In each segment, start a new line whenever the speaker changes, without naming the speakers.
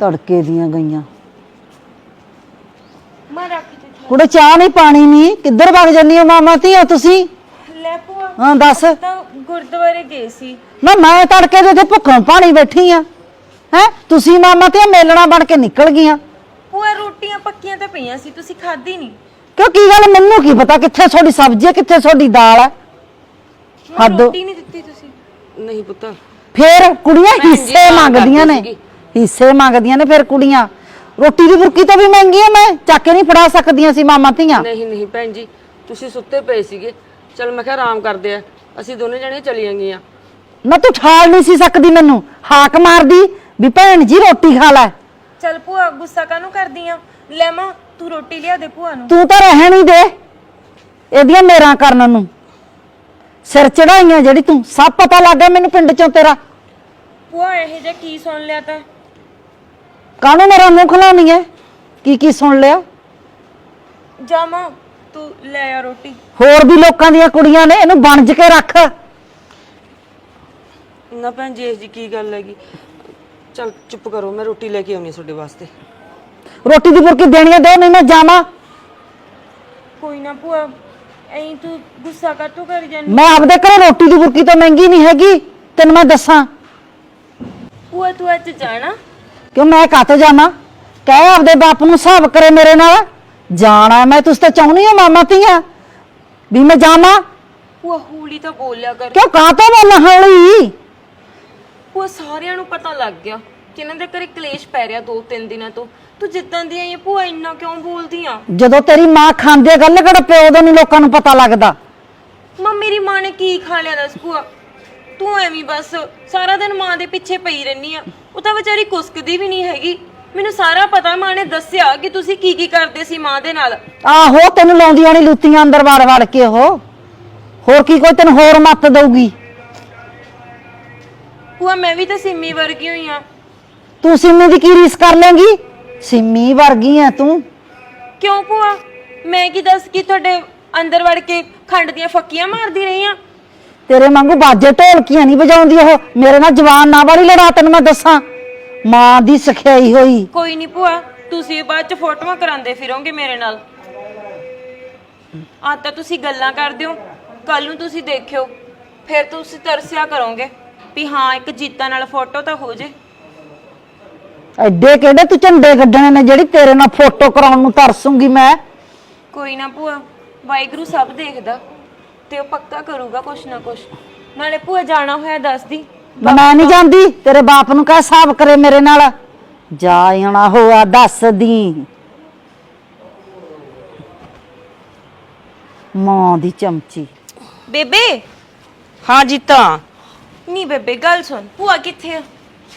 ਤੜਕੇ ਦੀਆਂ ਗਈਆਂ
ਮੈਂ ਰੱਖ ਦੇ
ਕੁੜੇ ਚਾਹ ਨਹੀਂ ਪਾਣੀ ਨਹੀਂ ਕਿੱਧਰ ਵਗ ਜੰਨੀ ਹੋ ਮਾਮਾ ਧੀਆ ਤੁਸੀਂ
ਲੈ ਭੂਆ
ਹਾਂ ਦੱਸ
ਤਾਂ ਗੁਰਦੁਆਰੇ ਗਏ ਸੀ
ਨਾ ਮੈਂ ਤੜਕੇ ਦੇ ਇੱਥੇ ਭੁੱਖੋਂ ਪਾਣੀ ਬੈਠੀ ਆ ਹੈ ਤੁਸੀਂ ਮਾਮਾ ਧੀਆ ਮੇਲਣਾ ਬਣ ਕੇ ਨਿਕਲ ਗਈਆਂ
ਭੂਆ ਰੋਟੀਆਂ ਪੱਕੀਆਂ ਤਾਂ ਪਈਆਂ ਸੀ ਤੁਸੀਂ ਖਾਧੀ ਨਹੀਂ
ਕਿਉਂ ਕੀ ਗੱਲ ਮੈਨੂੰ ਕੀ ਪਤਾ ਕਿੱਥੇ ਤੁਹਾਡੀ ਸਬਜ਼ੀ ਹੈ ਕਿੱਥੇ ਤੁਹਾਡੀ ਦਾਲ ਹੈ ਹੱਦ
ਰੋਟੀ ਨਹੀਂ ਦਿੱਤੀ ਤੁਸੀਂ
ਨਹੀਂ ਪੁੱਤ
ਫੇਰ ਕੁੜੀਆਂ ਹਿੱਸੇ ਮੰਗਦੀਆਂ ਨੇ ਹਿੱਸੇ ਮੰਗਦੀਆਂ ਨੇ ਫਿਰ ਕੁੜੀਆਂ ਰੋਟੀ ਦੀ ਬੁਰਕੀ ਤਾਂ ਵੀ ਮਹਿੰਗੀ ਹੈ ਮੈਂ ਚੱਕ ਕੇ ਨਹੀਂ ਫੜਾ ਸਕਦੀਆਂ ਸੀ ਮਾਮਾ ਧੀਆਂ
ਨਹੀਂ ਭੈਣ ਜੀ ਤੁਸੀਂ ਸੁੱਤੇ ਪਏ ਸੀਗੇ ਚਲ ਮੈਂ ਕਿਹਾ ਆਰਾਮ ਕਰਦੇ ਆ ਅਸੀਂ ਦੋਨੇ ਜਣੇ ਚਲੀਆਂ ਗਈਆਂ
ਨਾ ਤੂੰ ਠਾਲ ਨਹੀਂ ਸੀ ਸਕਦੀ ਮੈਨੂੰ ਹਾਕ ਮਾਰਦੀ ਵੀ ਭੈਣ ਜੀ ਰੋਟੀ ਖਾ ਲੈ
ਚੱਲ ਭੂਆ ਗੁੱਸਾ ਕਾਹਨੂੰ ਕਰਦੀ ਆ ਲੈ ਮਾਂ ਤੂੰ ਰੋਟੀ ਲਿਆ ਦੇ ਭੂਆ ਨੂੰ
ਤੂੰ ਤਾਂ ਰਹਿਣ ਹੀ ਦੇ ਇਹਦੀਆਂ ਮੇਰਾ ਕਰਨ ਨੂੰ ਸਿਰ ਚੜਾਈਆਂ ਜਿਹੜੀ ਤੂੰ ਸਭ ਪਤਾ ਲੱਗ ਗਿਆ ਮੈਨੂੰ ਪਿੰਡ ਚੋਂ ਤੇਰਾ
ਭੂਆ ਇਹ ਜਿਹਾ ਕੀ ਸੁਣ ਲਿਆ ਤਾਂ
ਕਾਹਨੂੰ ਮੇਰਾ ਮੂੰਹ ਖਲਾਉਣੀ ਹੈ ਕੀ ਸੁਣ ਲਿਆ
ਜਾ ਮਾਂ ਤੂੰ ਲੈ ਆ ਰੋਟੀ
ਹੋਰ ਵੀ ਲੋਕਾਂ ਦੀਆਂ ਕੁੜੀਆਂ ਨੇ ਇਹਨੂੰ ਬਣਜ ਕੇ ਰੱਖ
ਨਾ ਭੈਣ ਜੀ ਇਹ ਜੀ ਕੀ ਗੱਲ ਹੈਗੀ ਚਲ ਚੁੱਪ ਕਰੋ ਮੈਂ ਰੋਟੀ ਲੈ ਕੇ ਆਉਣੀ ਤੁਹਾਡੇ ਵਾਸਤੇ
ਰੋਟੀ ਦੀ ਬੁਰਕੀ ਦੇਣੀ ਦੇ ਨਹੀਂ ਮੈਂ ਜਾਵਾਂ
ਕੋਈ ਨਾ ਭੂਆ ਐਂ ਤੂੰ ਗੁੱਸਾ ਕਾਹਤੋਂ ਕਰੀ ਜਾਂਦੀ
ਮੈਂ ਆਪਦੇ ਘਰੇ ਰੋਟੀ ਦੀ ਬੁਰਕੀ ਤਾਂ ਮਹਿੰਗੀ ਨਹੀਂ ਹੈਗੀ ਤੈਨੂੰ ਮੈਂ ਦੱਸਾਂ
ਭੂਆ ਤੂੰ ਅੱਜ ਜਾਣਾ
ਕਿਉਂ ਮੈਂ ਕਾਹਤੋਂ ਜਾਵਾਂ ਕਹਿ ਆਪਦੇ ਬਾਪ ਨੂੰ ਹਿਸਾਬ ਕਰੇ ਮੇਰੇ ਨਾਲ ਜਾਣਾ ਮੈਂ ਤੁਸੀਂ ਤਾਂ ਚਾਹੁੰਦੀ ਹੋ ਮਾਮਾ ਧੀਆਂ ਵੀ ਮੈਂ ਜਾਵਾਂ
ਭੂਆ ਹੌਲੀ ਤਾਂ ਬੋਲਿਆ ਕਰ
ਕਿਉਂ ਕਾਹਤੋਂ ਬੋਲਾਂ ਹੌਲੀ
ਭੂਆ ਸਾਰਿਆਂ ਨੂੰ ਪਤਾ ਲੱਗ ਗਿਆ ਕਿ ਇਹਨਾਂ ਦੇ ਘਰੇ ਕਲੇਸ਼ ਪੈ ਰਿਹਾ 2-3 ਦਿਨਾਂ ਤੋਂ ਤੂੰ ਜਿੱਦਾਂ ਦੀ ਆਈ ਭੂਆ ਇੰਨਾ ਕਿਉਂ ਬੋਲਦੀ ਆ
ਜਦੋਂ ਤੇਰੀ ਮਾਂ ਖਾਂਦੇ ਗੱਲ ਕਿਹੜਾ ਪਿਓ ਦਾ ਨਹੀਂ ਲੋਕਾਂ ਨੂੰ ਪਤਾ ਲੱਗਦਾ
ਮਾਂ ਮੇਰੀ ਮਾਂ ਨੇ ਕੀ ਖਾ ਲਿਆ ਦੱਸ ਭੂਆ ਤੂੰ ਐਵੇਂ ਬਸ ਸਾਰਾ ਦਿਨ ਮਾਂ ਦੇ ਪਿੱਛੇ ਪਈ ਰਹਿਨੀ ਆ ਉਹ ਤਾਂ ਵਿਚਾਰੀ ਕੁਸਕਦੀ ਵੀ ਨਹੀਂ ਹੈਗੀ ਮੈਨੂੰ ਸਾਰਾ ਪਤਾ ਮਾਂ ਨੇ ਦੱਸਿਆ ਕਿ ਤੁਸੀਂ ਕੀ ਕਰਦੇ ਸੀ ਮਾਂ ਦੇ ਨਾਲ
ਆਹੋ ਤੈਨੂੰ ਲਾਉਂਦੀਆਂ ਨਹੀਂ ਲੁੱਤੀਆਂ ਅੰਦਰ ਵੜ ਕੇ ਉਹ ਹੋਰ ਕੀ ਕੋਈ ਤੈਨੂੰ ਹੋਰ ਮੱਤ ਦਊਗੀ
ਭੂਆ ਮੈਂ ਵੀ ਤਾਂ ਸਿੰਮੀ ਵਰਗੀ ਹੋਈ ਆ
ਤੂੰ ਸਿੰਮੀ ਦੀ ਕੀ ਰੀਸ ਕਰ ਲੇਂਗੀ ਸਿੰਮੀ ਵਰਗੀ ਐ ਤੂੰ
ਕਿਉਂ ਭੂਆ ਮੈਂ ਕੀ ਦੱਸ ਕਿ ਤੁਹਾਡੇ ਅੰਦਰ ਵੜ ਕੇ ਖੰਡ ਦੀਆਂ ਫੱਕੀਆਂ ਮਾਰਦੀ ਰਹੀ ਆ
ਤੇਰੇ ਵਾਂਗੂ ਬਾਜੇ ਢੋਲਕੀਆਂ ਨਹੀਂ ਵਜਾਉਂਦੀ ਉਹ ਮੇਰੇ ਨਾਲ ਜਵਾਨ ਨਾ ਵਾਲੀ ਲੜਾ ਤੈਨੂੰ ਮੈਂ ਦੱਸਾਂ ਮਾਂ ਦੀ ਸਿਖਾਈ ਹੋਈ
ਕੋਈ ਨਹੀਂ ਭੂਆ ਤੁਸੀਂ ਬਾਅਦ ਚ ਫੋਟੋਆਂ ਕਰਾਉਂਦੇ ਫਿਰੋਗੇ ਮੇਰੇ ਨਾਲ ਆ ਤਾਂ ਤੁਸੀਂ ਗੱਲਾਂ ਕਰਦੇ ਹੋ ਕੱਲ ਨੂੰ ਤੁਸੀਂ ਦੇਖਿਓ ਫਿਰ ਤੁਸੀਂ ਤਰਸਿਆ ਕਰੋਗੇ ਵੀ ਹਾਂ ਇੱਕ ਜੀਤਾ ਨਾਲ ਫੋਟੋ ਤਾਂ ਹੋ ਜੇ
ਐਡੇ ਕਿਹੜੇ ਤੂੰ ਝੰਡੇ ਕੱਢਣੇ ਨੇ ਜਿਹੜੀ ਤੇਰੇ ਨਾਲ ਫੋਟੋ ਕਰਾਉਣ ਨੂੰ ਤਰਸੂੰਗੀ ਮੈਂ
ਕੋਈ ਨਾ ਭੂਆ ਵਾਹਿਗੁਰੂ ਸਭ ਦੇਖਦਾ ਤੇ ਉਹ ਪੱਕਾ ਕਰੂਗਾ ਕੁਛ ਨਾ ਕੁਛ ਨਾਲੇ ਭੂਆ ਜਾਣਾ ਹੋਇਆ ਦੱਸਦੀ
ਮੈਂ ਨਹੀਂ ਜਾਂਦੀ ਤੇਰੇ ਬਾਪ ਨੂੰ ਕਹਿ ਹਿਸਾਬ ਕਰੇ ਮੇਰੇ ਨਾਲ ਜਾ ਆਣਾ ਹੋਆ ਦੱਸਦੀ ਮਾਂ ਦੀ ਚਮਚੀ
ਬੇਬੇ
ਹਾਂ ਜੀਤਾ
ਨਹੀਂ ਬੇਬੇ ਗੱਲ ਸੁਣ ਭੂਆ ਕਿੱਥੇ ਆ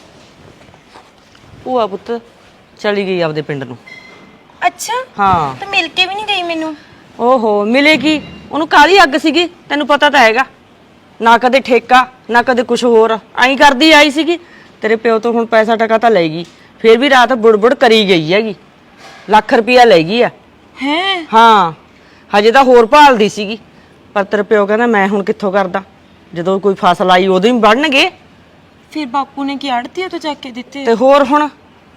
ਭੂਆ ਪੁੱਤ ਚਲੀ ਗਈ ਆਪਦੇ ਪਿੰਡ ਨੂੰ
ਅੱਛਾ
ਹਾਂ
ਤਾਂ ਮਿਲ ਕੇ ਵੀ ਨਹੀਂ ਗਈ ਮੈਨੂੰ
ਓਹੋ ਮਿਲੇਗੀ ਉਹਨੂੰ ਕਾਹਦੀ ਅੱਗ ਸੀਗੀ ਤੈਨੂੰ ਪਤਾ ਤਾਂ ਹੈਗਾ ਨਾ ਕਦੇ ਠੇਕਾ ਨਾ ਕਦੇ ਕੁਝ ਹੋਰ ਐਂ ਕਰਦੀ ਆਈ ਸੀਗੀ ਤੇਰੇ ਪਿਓ ਤੋਂ ਹੁਣ ਪੈਸਾ ਟਕਾ ਤਾਂ ਲੈਗੀ ਫਿਰ ਵੀ ਰਾਤ ਬੁੜਬੁੜ ਕਰੀ ਗਈ ਹੈਗੀ ਲੱਖ ਰੁਪਇਆ ਲੈ ਗਈ ਆ
ਹੈ
ਹਾਂ ਹਜੇ ਤਾਂ ਹੋਰ ਭਾਲਦੀ ਸੀਗੀ ਪਰ ਤੇਰੇ ਪਿਓ ਕਹਿੰਦਾ ਮੈਂ ਹੁਣ ਕਿੱਥੋਂ ਕਰਦਾ ਜਦੋਂ ਕੋਈ ਫਸਲ ਆਈ ਉਦੋਂ ਹੀ ਵੜਨਗੇ
ਫਿਰ ਬਾਪੂ ਨੇ ਕੀ ਆੜਤੀ ਤੋਂ ਚੱਕ ਕੇ ਦਿੱਤੇ
ਤੇ ਹੋਰ ਹੁਣ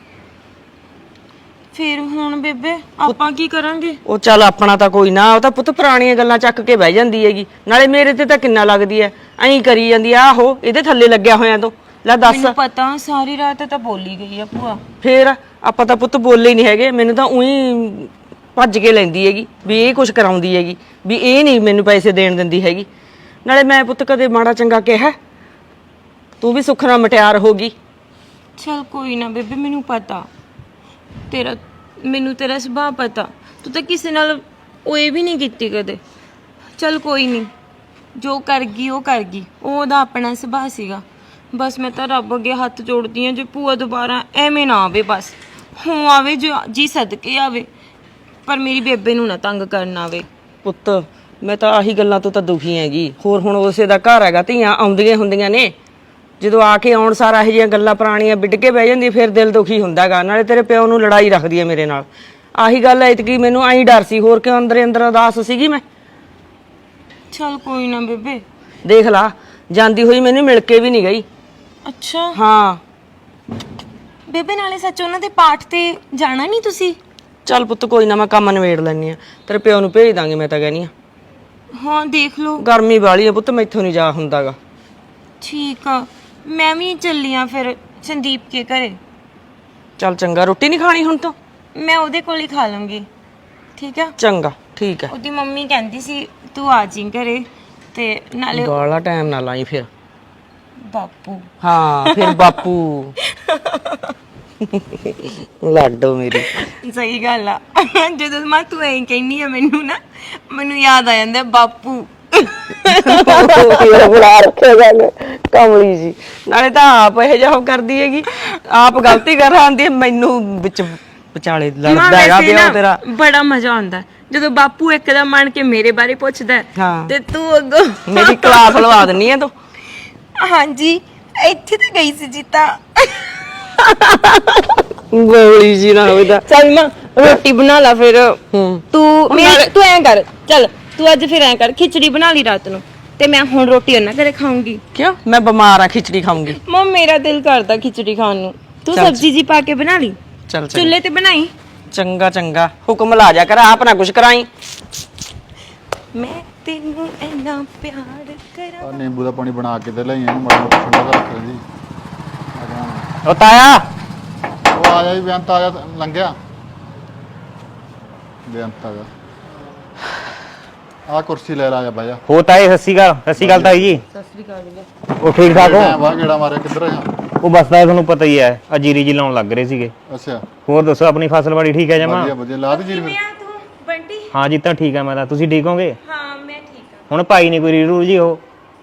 ਫਿਰ ਹੁਣ ਬੇਬੇ ਆਪਾਂ ਕੀ ਕਰਾਂਗੇ
ਉਹ ਚੱਲ ਆਪਣਾ ਤਾਂ ਕੋਈ ਨਾ ਉਹ ਤਾਂ ਪੁੱਤ ਪੁਰਾਣੀਆਂ ਗੱਲਾਂ ਚੱਕ ਕੇ ਬਹਿ ਜਾਂਦੀ ਹੈਗੀ ਨਾਲੇ ਮੇਰੇ ਤੇ ਤਾਂ ਕਿੰਨਾ ਲੱਗਦੀ ਐ ਐਂ ਕਰੀ ਜਾਂਦੀ ਆ ਆਹੋ ਇਹਦੇ ਥੱਲੇ ਲੱਗਿਆ ਹੋਇਆ ਤੂੰ ਲੈ ਦੱਸ
ਮੈਨੂੰ ਪਤਾ ਸਾਰੀ ਰਾਤ ਤਾਂ ਬੋਲੀ ਗਈ ਆ ਭੂਆ
ਫੇਰ ਆਪਾਂ ਤਾਂ ਪੁੱਤ ਬੋਲੇ ਹੀ ਨਹੀਂ ਹੈਗੇ ਮੈਨੂੰ ਤਾਂ ਉਹੀ ਭੱਜ ਕੇ ਲੈਂਦੀ ਹੈਗੀ ਵੀ ਇਹ ਕੁਝ ਕਰਾਉਂਦੀ ਹੈਗੀ ਵੀ ਇਹ ਨਹੀਂ ਮੈਨੂੰ ਪੈਸੇ ਦੇਣ ਦਿੰਦੀ ਹੈਗੀ ਨਾਲੇ ਮੈਂ ਪੁੱਤ ਕਦੇ ਮਾੜਾ ਚੰਗਾ ਕਿਹਾ ਤੂੰ ਵੀ ਸੁੱਖ ਨਾਲ ਮਟਿਆਰ ਹੋ ਗਈ
ਚਲ ਕੋਈ ਨਾ ਬੇਬੇ ਮੈਨੂੰ ਪਤਾ ਮੈਨੂੰ ਤੇਰਾ ਸੁਭਾਅ ਪਤਾ ਤੂੰ ਤਾਂ ਕਿਸੇ ਨਾਲ ਓਏ ਵੀ ਨਹੀਂ ਕੀਤੀ ਕਦੇ ਚਲ ਕੋਈ ਨਹੀਂ ਜੋ ਕਰ ਗਈ ਉਹ ਕਰ ਗਈ ਉਹਦਾ ਆਪਣਾ ਸੁਭਾਅ ਸੀਗਾ ਬਸ ਮੈਂ ਤਾਂ ਰੱਬ ਅੱਗੇ ਹੱਥ ਜੋੜਦੀ ਆ ਜੇ ਭੂਆ ਦੁਬਾਰਾ ਐਵੇਂ ਨਾ ਆਵੇ ਬਸ ਹੋ ਆਵੇ ਜੀ ਸਦਕੇ ਆਵੇ ਪਰ ਮੇਰੀ ਬੇਬੇ ਨੂੰ ਨਾ ਤੰਗ ਕਰਨ ਆਵੇ
ਪੁੱਤ ਮੈਂ ਤਾਂ ਆਹੀ ਗੱਲਾਂ ਤੋਂ ਤਾਂ ਦੁਖੀ ਹੈਗੀ ਹੋਰ ਹੁਣ ਉਸੇ ਦਾ ਘਰ ਹੈਗਾ ਧੀਆਂ ਆਉਂਦੀਆਂ ਹੁੰਦੀਆਂ ਨੇ ਜਦੋਂ ਆ ਕੇ ਆਉਣ ਸਾਰਾ ਇਹ ਜਿਹੀਆਂ ਗੱਲਾਂ ਪੁਰਾਣੀਆਂ ਵਿੱਢ ਕੇ ਬਹਿ ਜਾਂਦੀ ਫਿਰ ਦਿਲ ਦੁਖੀ ਹੁੰਦਾਗਾ ਨਾਲੇ ਤੇਰੇ ਪਿਓ ਨੂੰ ਲੜਾਈ ਰੱਖਦੀ ਹੈ ਮੇਰੇ ਨਾਲ ਆਹੀ ਗੱਲ ਐਤਕੀ ਮੈਨੂੰ ਐਂ ਡਰ ਸੀ ਹੋਰ ਕਿਉਂ ਅੰਦਰ ਅੰਦਰ ਉਦਾਸ ਸੀਗੀ ਮੈਂ
ਚਲ ਕੋਈ ਨਾ ਬੇਬੇ
ਦੇਖ ਲਾ ਜਾਂਦੀ ਹੋਈ ਮੈਨੂੰ ਮਿਲ ਕੇ ਵੀ ਨਹੀਂ ਗਈ
ਅੱਛਾ
ਹਾਂ
ਬੇਬੇ ਨਾਲੇ ਸੱਚ ਉਹਨਾਂ ਦੇ ਪਾਠ ਤੇ ਜਾਣਾ ਨਹੀਂ ਤੁਸੀਂ?
ਚੱਲ ਪੁੱਤ ਕੋਈ ਨਾ, ਮੈਂ ਕੰਮ ਨਿਬੇੜ ਲੈਣੀ ਆ, ਤੇਰੇ ਪਿਓ ਨੂੰ ਭੇਜ ਦਾਂਗੇ। ਮੈਂ ਤਾਂ ਕਹਿਨੀ ਆ
ਹਾਂ ਦੇਖ ਲਓ।
ਗਰਮੀ ਵਾਲੀ ਆ ਪੁੱਤ, ਮੈਥੋਂ ਨਹੀਂ ਜਾ ਹੁੰਦਾਗਾ।
ਠੀਕ ਆ, ਮੈਂ ਵੀ ਚੱਲੀ ਆ ਫਿਰ ਸੰਦੀਪ ਕੇ ਘਰੇ।
ਚੱਲ ਚੰਗਾ, ਰੋਟੀ ਨਹੀਂ ਖਾਣੀ ਹੁਣ ਤਾਂ?
ਮੈਂ ਉਹਦੇ ਕੋਲ ਹੀ ਖਾ ਲਵਾਂਗੀ। ਠੀਕ ਆ,
ਚੰਗਾ ਠੀਕ ਹੈ।
ਉਹਦੀ ਮੰਮੀ ਕਹਿੰਦੀ ਸੀ ਤੂੰ ਆ ਜੀ ਘਰੇ ਤੇ ਨਾਲੇ
ਬਾਲਾ ਟਾਈਮ ਨਾ ਲਾਈ ਫਿਰ।
ਬਾਪੂ।
ਹਾਂ ਫਿਰ ਬਾਪੂ ਲਾਡੋ ਮੇਰੀ।
ਸਹੀ ਗੱਲ ਆ। ਜਦੋਂ ਮੈਂ ਤੂੰ ਐਂ ਕਹਿੰਨੀ ਆ ਮੈਨੂੰ ਨਾ, ਮੈਨੂੰ ਯਾਦ ਆ ਜਾਂਦਾ ਬਾਪੂ।
ਬੁਲਾ ਰੱਖਿਆ ਗੱਲ ਕਮਲੀ ਜੀ। ਨਾਲੇ ਤਾਂ ਆਪ ਇਹ ਜਿਹਾ ਕਰਦੀ ਹੈਗੀ, ਆਪ ਗਲਤੀ ਕਰ ਆਂਦੀ ਹੈ, ਮੈਨੂੰ ਵਿੱਚ ਵਿਚਾਲੇ ਲੜਦਾ ਹੈਗਾ ਪਿਓ ਤੇਰਾ।
ਬੜਾ ਮਜ਼ਾ ਆਉਂਦਾ ਜਦੋਂ ਬਾਪੂ ਇੱਕਦਮ ਮੰਨ ਕੇ ਮੇਰੇ ਬਾਰੇ ਪੁੱਛਦਾ ਹੈ,
ਹਾਂ।
ਤੇ ਤੂੰ ਅੱਗੋਂ
ਮੇਰੀ ਕਲਾਸ ਲਵਾ ਦਿੰਨੀ ਆ ਤੂੰ।
ਹਾਂਜੀ ਇੱਥੇ ਤਾਂ ਗਈ ਸੀ ਜੀਤਾ।
ਬੋਲੀ ਜੀ ਨਾ ਹੋਵੇ ਤਾਂ।
ਚੱਲ ਮਾਂ ਰੋਟੀ ਬਣਾ ਲਾ ਫਿਰ। ਤੂੰ ਐਂ ਕਰ, ਚੱਲ ਤੂੰ ਅੱਜ ਫਿਰ ਐਂ ਕਰ, ਖਿਚੜੀ ਬਣਾ ਲਈ ਰਾਤ ਨੂੰ ਤੇ ਮੈਂ ਹੁਣ ਰੋਟੀ ਉਹਨਾਂ ਘਰੇ ਖਾਊਂਗੀ।
ਕਿਉਂ? ਮੈਂ ਬਿਮਾਰ ਆ, ਖਿਚੜੀ ਖਾਊਂਗੀ।
ਮਾਂ ਮੇਰਾ ਦਿਲ ਕਰਦਾ ਖਿਚੜੀ ਖਾਣ ਨੂੰ, ਤੂੰ ਸਬਜ਼ੀ ਜੀ ਪਾ ਕੇ ਬਣਾ ਲਈ,
ਚੱਲ
ਚੁੱਲ੍ਹੇ ਤੇ ਬਣਾਈ।
ਚੰਗਾ ਚੰਗਾ, ਹੁਕਮ ਲਾ ਜਾ ਕਰ, ਆਪ ਨਾ ਕੁਛ ਕਰਾਈ।
ਮੈਂ ਤੈਨੂੰ ਇੰਨਾ ਪਿਆਰ ਕਰਾਂ।
ਨਿੰਬੂ ਦਾ ਪਾਣੀ ਬਣਾ ਕੇ ਤੇ ਲਈ ਇਹਨੂੰ ਮਾੜਾ ਮੋਟਾ ਠੰਡਾ ਕਰ ਰੱਖ ਲੈਂਦੀ।
ਉਹ ਤਾਇਆ
ਉਹ ਆ ਜਾ ਜੀ, ਬੇਅੰਤ ਆ ਜਾ, ਲੰਘਿਆ ਬੇਅੰਤ ਆ ਜਾ। ਆ ਕੁਰਸੀ ਲੈ ਲਾ, ਜਾ ਬਹਿ ਜਾ।
ਹੋ ਤਾਏ, ਸਤਿ ਸ਼੍ਰੀ ਅਕਾਲ ਤਾਈ ਜੀ।
ਸਤਿ ਸ੍ਰੀ ਅਕਾਲ ਜੀ।
ਉਹ ਠੀਕ ਠਾਕ ਹੋ?
ਵਾਹ ਗੇੜਾ ਮਾਰਿਆ, ਕਿੱਧਰ ਆ?
ਉਹ ਬਸ ਤਾਇਆ ਤੁਹਾਨੂੰ ਪਤਾ ਹੀ ਹੈ, ਅਜੀਰੀ ਜੀ ਲਾਉਣ ਲੱਗ ਰਹੇ ਸੀਗੇ।
ਅੱਛਾ
ਹੋਰ ਦੱਸੋ, ਆਪਣੀ ਫਸਲਬਾੜੀ ਠੀਕ ਹੈ ਜਮਾ?
ਵਧੀਆ ਵਧੀਆ, ਲਾ ਦੇ ਜੀ।
ਕਿਵੇਂ ਆ ਤੂੰ ਬੰਟੀ?
ਹਾਂ ਜੀ, ਤਾਂ ਠੀਕ ਹੈ। ਮੈਂ ਤਾਂ, ਤੁਸੀਂ ਠੀਕ ਹੋਗੇ?
ਹਾਂ ਮੈਂ ਠੀਕ ਆ।
ਹੁਣ ਭਾਈ ਨਹੀਂ ਕੋਈ ਰੀਰੂ ਜੀ ਉਹ?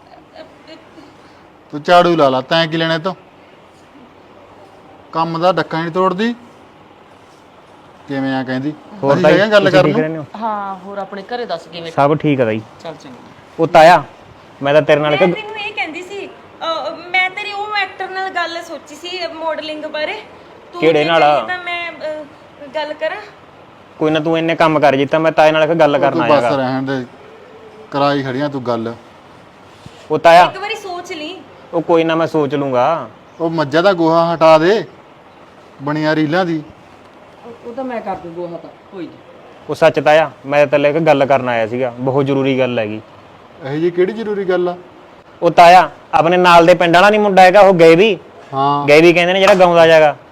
ਤੂੰ ਝਾੜੂ ਲਾ ਲਾ, ਤੈਂ ਕੀ ਲੈਣੇ ਤੋਂ? ਕੰਮ ਦਾ ਡੱਕਾ ਨਹੀਂ ਤੋੜਦੀ। ਕਿਵੇਂ ਆ ਕਹਿੰਦੀ?
ਹੋਰ
ਅਸੀਂ
ਤਾਈ
ਹੈਗੇ ਗੱਲ
ਤੁਸੀਂ ਠੀਕ
ਕਰਨ
ਰਹਿੰਦੇ
ਨੂੰ।
ਹੋ?
ਹਾਂ ਹੋਰ ਆਪਣੇ ਘਰੇ ਦੱਸ ਕਿਵੇਂ?
ਸਭ ਠੀਕ ਹੈ ਤਾਈ।
ਚੱਲ ਚੰਗਾ।
ਉਹ ਤਾਇਆ, ਮੈਂ ਤਾਂ ਤੇਰੇ ਨਾਲ
ਮੈਂ
ਇੱਕ
ਤੈਨੂੰ ਇਹ ਕਹਿੰਦੀ ਸੀ, ਮੈਂ ਤੇਰੀ ਉਹ ਐਕਟਰ ਨਾਲ ਗੱਲ ਸੋਚੀ ਸੀ ਮਾਡਲਿੰਗ ਬਾਰੇ। ਤੂੰ
ਕਿਹੜੇ
ਜੇ
ਨਾਲ?
ਚਾਹੇ ਤਾਂ ਮੈਂ ਗੱਲ ਕਰਾਂ।
ਕੋਈ ਨਾ, ਤੂੰ ਇੰਨੇ ਕੰਮ ਕਰ ਜਿੱਤਾ, ਮੈਂ ਤਾਏ ਨਾਲ ਇੱਕ ਗੱਲ ਕਰਨ
ਤੂੰ ਬਸ
ਆਇਆਗਾ।
ਰਹਿਣ ਦੇ, ਕਰਾਈ ਖੜੀਆਂ ਤੂੰ ਗੱਲ।
ਉਹ ਤਾਇਆ,
ਇੱਕ ਵਾਰੀ ਸੋਚ ਲਈ।
ਉਹ ਕੋਈ ਨਾ, ਮੈਂ ਸੋਚ ਲੂੰਗਾ।
ਉਹ ਮੱਝਾਂ ਦਾ ਗੋਹਾ ਹਟਾ ਦੇ, ਬਣੀਆਂ ਰੀਲਾਂ ਦੀ।
ਉਹ ਤਾਂ ਮੈਂ ਕਰ ਦੂੰ ਗੋਹਾ, ਤਾਂ ਕੋਈ ਨਹੀਂ।
ਉਹ ਸੱਚ ਤਾਇਆ, ਮੈਂ ਤਾਂ ਇੱਕ ਗੱਲ ਕਰਨ ਆਇਆ ਸੀਗਾ, ਬਹੁਤ ਜ਼ਰੂਰੀ ਗੱਲ ਹੈਗੀ।
ਇਹੋ ਜੀ ਕਿਹੜੀ ਜ਼ਰੂਰੀ ਗੱਲ ਆ?
ਉਹ ਤਾਇਆ, ਆਪਣੇ ਨਾਲ ਦੇ ਪਿੰਡ ਵਾਲਾ ਨਹੀਂ ਮੁੰਡਾ ਹੈਗਾ, ਉਹ ਗਏ ਵੀ
ਹਾਂ
ਕਹਿੰਦੇ ਨੇ ਜਿਹੜਾ ਗਾਉਂਦਾ ਜਾਗਾ,